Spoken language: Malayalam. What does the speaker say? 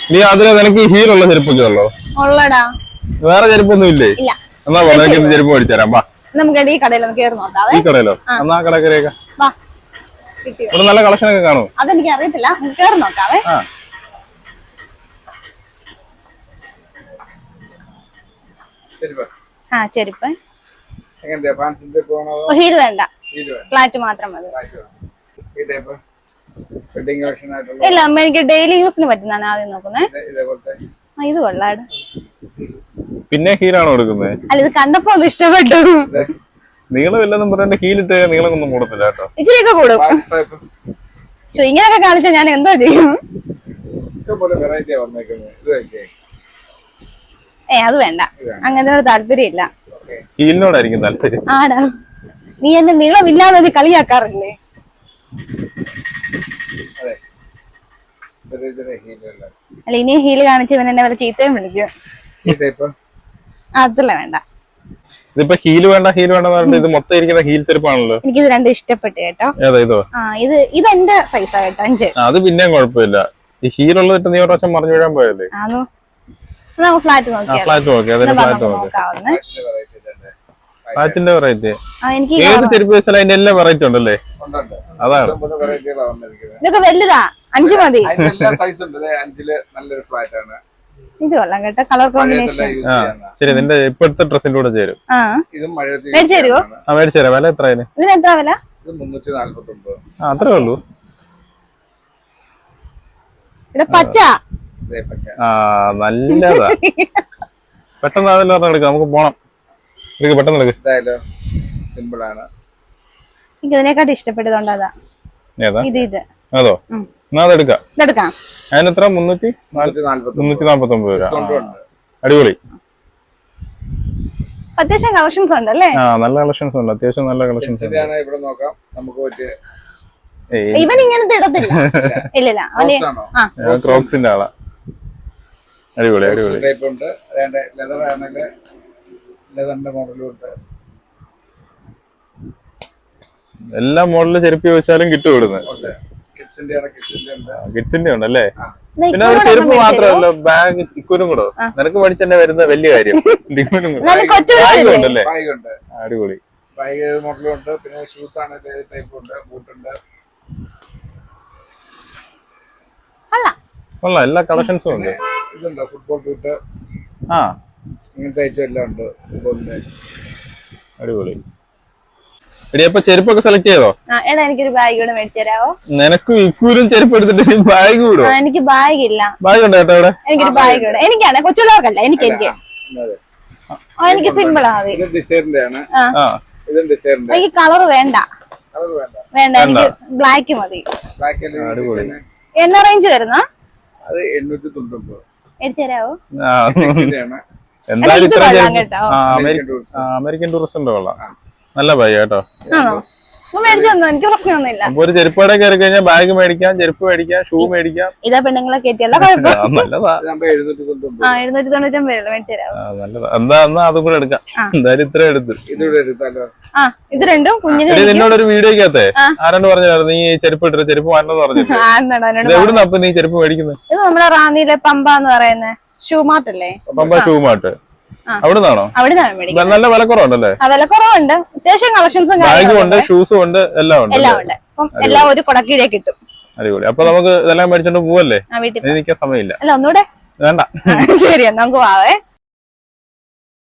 നീ അതിലെ നിനക്ക് ഹീലുള്ള ചെരുപ്പൊക്കെ ഉള്ളോ? ഉള്ളടാ. വേറെ ചെരുപ്പൊന്നും ഇല്ലേ? ഇല്ല. എന്നാ നിനക്ക് ചെരുപ്പ് മേടിച്ചേരാം. വാ, നമുക്ക് ഈ കടയിലൊന്ന് കയറി നോക്കാം. ഈ കടയിലോ? എന്നാ കട കയറിയേക്കാം. ഇവിടെ നല്ല കളക്ഷൻ ഒക്കെ കാണും. അതെനിക്ക് അറിയത്തില്ല, കയറി നോക്കാവേ. ചെരുപ്പ് ഹീൽ വേണ്ട, ഫ്ലാറ്റ് മാത്രം മതി. ഇല്ല, എനിക്ക് ഡെയിലി യൂസിന് പറ്റുന്നതാണ് ആദ്യം നോക്കുന്നത്. ഇത് കൊള്ളാട്. പിന്നെ ഹീലാണോ എടുക്കുന്നത്? അല്ല, ഇത് കണ്ടപ്പോ ഒന്ന് ഇഷ്ടപ്പെട്ടു. നീളമില്ലെന്നും പറഞ്ഞ ഹീലിട്ട് നീളമൊന്നും കൂടത്തില്ല കേട്ടോ. ഇച്ചിരിയൊക്കെ കൂടും. ഇങ്ങനെയൊക്കെ കാണിച്ചാൽ ഞാൻ എന്തോ ചെയ്യും? അത് വേണ്ട, അങ്ങനത്തെ താല്പര്യമില്ല. ഹീലിനോടായിരിക്കും താല്പര്യം. ആടാ, നീ എന്നെ നീളമില്ലാതെ കളിയാക്കാറില്ലേ? അല്ല, ഇനി ഹീല് കാണിച്ച് ഇവൻ എന്നെ വല്ല ചീത്തയും വിളിക്കും. അതല്ല വേണ്ട. ഇതിപ്പോ ഹീല് വേണ്ട ഹീല് വേണ്ടെന്ന് പറഞ്ഞിട്ട് ഇത് മൊത്തം ഇരിക്കുന്ന ഹീൽ ചെരുപ്പാണല്ലോ. എനിക്കിത് രണ്ടും ഇഷ്ടപ്പെട്ടു കേട്ടോ. ഏതാ ഇതോ? ഇത് എന്റെ സൈസാ കേട്ടോ, 5. അത് പിന്നെയും കുഴപ്പമില്ല. ഈ ഹീലുള്ളത് നീ ഒരു പ്രാവശ്യം മറിഞ്ഞു വീഴാൻ പോയല്ലേ? ഫ്ലാറ്റ് നോക്കിയാ ഫ്ലാറ്റിന്റെ വെറൈറ്റി ഏത് ചെരുപ്പ് വെച്ചാൽ അതിന്റെ എല്ലാ വെറൈറ്റി ഉണ്ടല്ലേ? അതാണ്. ഇതൊക്കെ വലുതാ, 5 മതി. ഇത് കൊള്ളാം കേട്ടോ, കളർ കോമ്പിനേഷൻ. ശരി, നിന്റെ ഇപ്പോഴത്തെ ഡ്രസ്സിന്റെ കൂടെ ചേരും. മേടിച്ചേരുവോ? മേടിച്ചേരാം. വില എത്ര? ഇതിന് എത്ര വില? അത്രേ ഉള്ളൂ. പച്ച നല്ലതാ. പെട്ടെന്ന് അതെല്ലാം പറഞ്ഞ എടുക്കാം, നമുക്ക് പോണം. പെട്ടെന്ന് എടുക്ക. സിമ്പിൾ ആണ്. എനിക്ക് ഇതിനെക്കാട്ടി ഇഷ്ടപ്പെട്ടതുകൊണ്ട് അതാ. ഇത് അതോ? എന്നാ അതെടുക്കാം. ഇതെടുക്കാം. അതിനെത്ര? 349 രൂപ. അടിപൊളി. അത്യാവശ്യം കളക്ഷൻസ് ഉണ്ടല്ലേ? നല്ല കളക്ഷൻസ് ഉണ്ട്, അത്യാവശ്യം നല്ല കളക്ഷൻസ് ഉണ്ട്. ഇവൻ ഇങ്ങനത്തെ ഇടത്തില്ല. ഇല്ല, ക്രോക്സിന്റെ ആളാ. അടിപൊളി അടിപൊളി. എല്ലാ മോഡലില് ചെരുപ്പ് ചോദിച്ചാലും കിട്ടും ഇവിടുന്ന്. കിഡ്സിന്റെ ഉണ്ടല്ലേ? പിന്നെ ഒരു ചെരുപ്പ് മാത്രമല്ല, ബാഗ് ഇക്കുനും കൂടോ. നിനക്ക് പഠിച്ചെന്നെ വരുന്ന വലിയ കാര്യം. ഉണ്ടല്ലേ? അടിപൊളി. കൊള്ളാം, എല്ലാ കളക്ഷൻസും ഉണ്ട്. ഫുട്ബോൾ ബൂട്ട്, ഇങ്ങനത്തെ ഐറ്റം എല്ലാം ഉണ്ട്. അടിപൊളി. എടി, അപ്പൊ ചെരുപ്പൊക്കെ സെലക്ട് ചെയ്തോ? എനിക്കൊരു ബാഗ് കൂടെ മേടിച്ചു തരാമോ? നിനക്ക് ഇക്കൂരും ചെരുപ്പ് എടുത്തിട്ട് ബാഗ് കൂടോ? എനിക്ക് ബാഗ് ഇല്ല. ബാഗ് ഉണ്ട് കേട്ടോ ഇവിടെ. എനിക്കൊരു ബാഗ് കൂടെ. എനിക്കാണ്, കൊച്ചുള്ളവർക്കല്ല. എനിക്ക് സിമ്പിൾ ആണ്. എനിക്ക് കളർ വേണ്ട, വേണ്ട. എനിക്ക് ബ്ലാക്ക് മതി. എന്നാ റേഞ്ച് വരുന്ന? മേടിച്ചു തരാമോ? എന്തായാലും അമേരിക്കൻ ടൂറിസ്റ്റിന്റെ കൊള്ളാം. നല്ല ബാഗ് കേട്ടോ. എനിക്ക് പ്രശ്നമൊന്നുമില്ല. ഒരു ചെരുപ്പടെ കയറി കഴിഞ്ഞാൽ ബാഗ് മേടിക്കാം, ചെരുപ്പ് മേടിക്കാം, ഷൂ മേടിക്കാം. ഇതാ പെണ്ണുങ്ങളെ കയറ്റിയല്ല നല്ലതാ. 799 മേടിച്ചു തരാമോ? നല്ലതാ. എന്നാ അതും കൂടെ എടുക്കാം. എന്തായാലും ഇത്ര എടുത്ത്. ഇത് രണ്ടും കുഞ്ഞിന്. നിന്നോടൊരു വീഡിയോക്കകത്തെ ആരാണ്ട് പറഞ്ഞായിരുന്നു നീ ചെരുപ്പ് ഇട്ടിട്ട് ചെരുപ്പ് മാറ്റണമെന്ന് പറഞ്ഞിട്ട്. എവിടുന്ന അപ്പൊ നീ ചെരുപ്പ് മേടിക്കുന്നത്? ഇത് നമ്മുടെ റാന്നിയിലെ പമ്പ എന്ന് പറയുന്ന ഷൂ മാർട്ട് അല്ലേ? Pampa shoe mart. അവിടുന്നാണോ? നല്ല വിലക്കുറവുണ്ടല്ലേ? വിലക്കുറവുണ്ട്, അത്യാവശ്യം കളക്ഷൻസും ബാഗും ഉണ്ട്, ഷൂസും ഉണ്ട്, എല്ലാം ഉണ്ട്. എല്ലാം ഒരു കുടക്കീഴേ കിട്ടും. അടിപൊളി. അപ്പൊ നമുക്ക് ഇതെല്ലാം മേടിച്ചോണ്ട് പോവല്ലേ? എനിക്ക് സമയമില്ല. അല്ല, ഒന്നുകൂടെ വേണ്ട. ശരി, നമുക്ക് പോവേ.